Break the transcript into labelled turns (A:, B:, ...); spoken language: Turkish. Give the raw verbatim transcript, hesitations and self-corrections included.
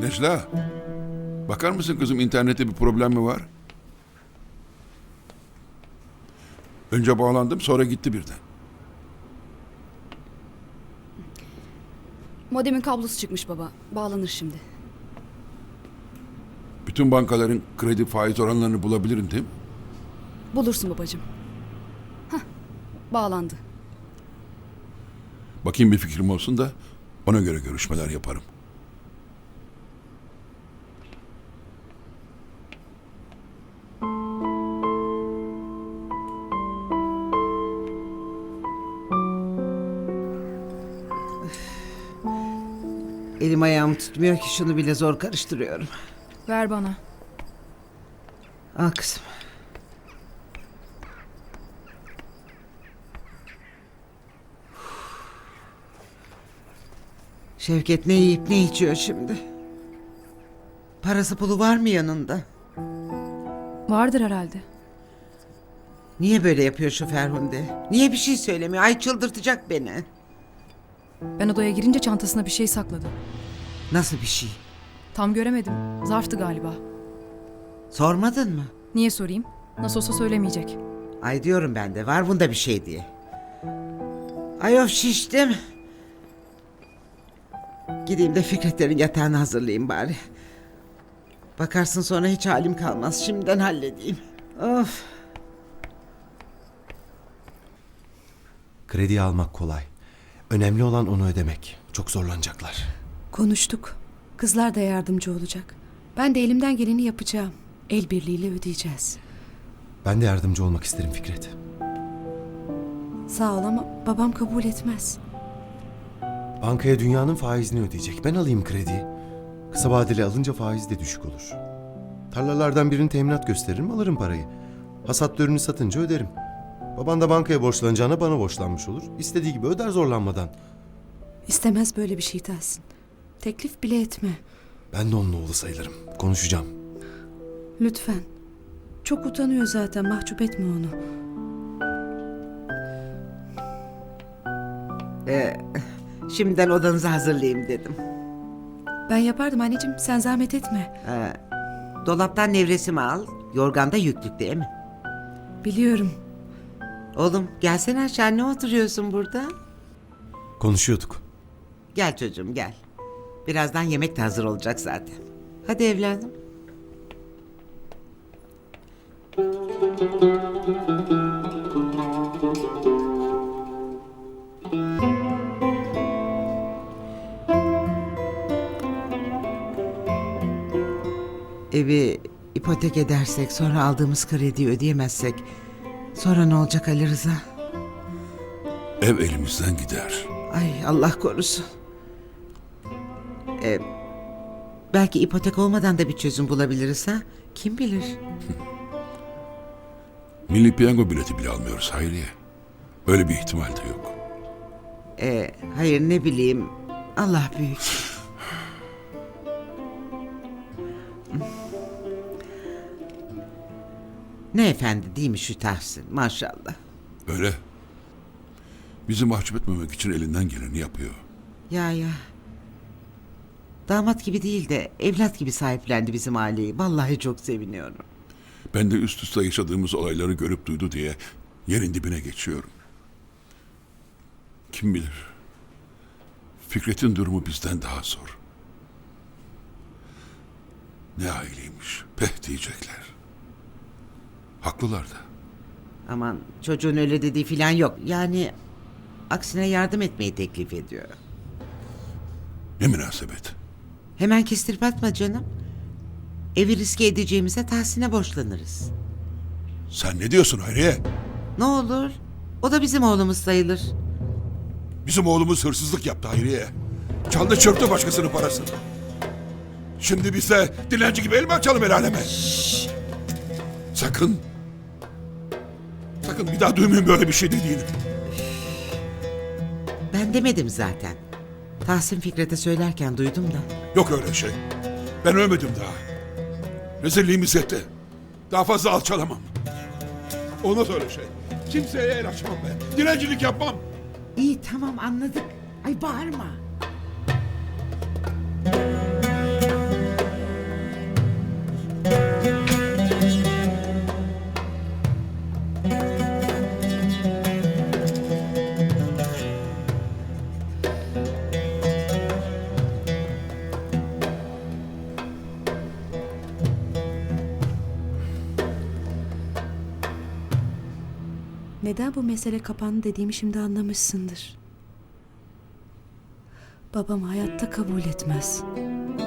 A: Necla, bakar mısın kızım internette bir problem mi var? Önce bağlandım sonra gitti birden.
B: Modemin kablosu çıkmış baba. Bağlanır şimdi.
A: Bütün bankaların kredi faiz oranlarını bulabilirim değil mi?
B: Bulursun babacığım. Hah, bağlandı.
A: Bakayım bir fikrim olsun da ona göre görüşmeler yaparım.
C: Elim ayağım tutmuyor ki şunu bile zor karıştırıyorum.
D: Ver bana.
C: Al kızım. Şevket ne yiyip ne içiyor şimdi? Parası pulu var mı yanında?
D: Vardır herhalde.
C: Niye böyle yapıyor şu Ferhunde? Niye bir şey söylemiyor? Ay çıldırtacak beni.
D: Ben odaya girince çantasına bir şey sakladı.
C: Nasıl bir şey?
D: Tam göremedim. Zarftı galiba.
C: Sormadın mı?
D: Niye sorayım? Nasıl olsa söylemeyecek.
C: Ay diyorum ben de var bunda bir şey diye. Ay of şiştim. Gideyim de Fikretlerin yatağını hazırlayayım bari. Bakarsın sonra hiç halim kalmaz. Şimdiden halledeyim. Of.
E: Krediyi almak kolay. Önemli olan onu ödemek. Çok zorlanacaklar.
F: Konuştuk. Kızlar da yardımcı olacak. Ben de elimden geleni yapacağım. El birliğiyle ödeyeceğiz.
E: Ben de yardımcı olmak isterim Fikret.
F: Sağ ol ama babam kabul etmez.
E: Bankaya dünyanın faizini ödeyecek. Ben alayım krediyi. Kısa vadeli alınca faiz de düşük olur. Tarlalardan birini teminat gösteririm, alırım parayı. Hasat ürünü satınca öderim. Baban da bankaya borçlanacağına bana borçlanmış olur. İstediği gibi öder zorlanmadan.
F: İstemez böyle bir şey Tahsin. Teklif bile etme.
E: Ben de onun oğlu sayılırım. Konuşacağım.
F: Lütfen. Çok utanıyor zaten. Mahcup etme onu.
C: Ee, şimdiden odanızı hazırlayayım dedim.
F: Ben yapardım anneciğim. Sen zahmet etme.
C: Ee, dolaptan nevresimi al. Yorganda yüklük değil mi?
F: Biliyorum.
C: Oğlum gelsene aşağı, ne oturuyorsun burada?
E: Konuşuyorduk.
C: Gel çocuğum gel. Birazdan yemek de hazır olacak zaten. Hadi evladım. Evi ipotek edersek, sonra aldığımız krediyi ödeyemezsek, sonra ne olacak Ali Rıza?
A: Ev elimizden gider.
C: Ay Allah korusun. Ee, belki ipotek olmadan da bir çözüm bulabiliriz ha? Kim bilir?
A: Milli piyango bileti bile almıyoruz Hayriye. Öyle bir ihtimal de yok.
C: Ee, hayır ne bileyim. Allah büyük. Ne efendi değil mi şu Tahsin, maşallah.
A: Öyle. Bizi mahcup etmemek için elinden geleni yapıyor.
C: Ya ya. Damat gibi değil de evlat gibi sahiplendi bizim aileyi. Vallahi çok seviniyorum.
A: Ben de üst üste yaşadığımız olayları görüp duydu diye yerin dibine geçiyorum. Kim bilir? Fikret'in durumu bizden daha zor. Ne aileymiş, peh diyecekler. Haklılar da.
C: Aman çocuğun öyle dediği filan yok. Yani aksine yardım etmeyi teklif ediyor.
A: Ne münasebet.
C: Hemen kestirip atma canım. Evi riske edeceğimize Tahsin'e borçlanırız.
A: Sen ne diyorsun Hayriye?
C: Ne olur? O da bizim oğlumuz sayılır.
A: Bizim oğlumuz hırsızlık yaptı Hayriye. Çaldı çırptı başkasının parasını. Şimdi biz de dilenci gibi el mi açalım el aleme? Sakın. Sakın bir daha duymayın böyle bir şey dediğini.
C: Ben demedim zaten. Tahsin Fikret'e söylerken duydum da.
A: Yok öyle şey. Ben ölmedim daha. Rezilliğimiz yetti. Daha fazla alçalamam. Olmaz öyle şey. Kimseye el açmam ben. Dilencilik yapmam.
C: İyi tamam anladık. Ay bağırma.
F: Neden bu mesele kapandı dediğimi şimdi anlamışsındır. Babam hayatta kabul etmez.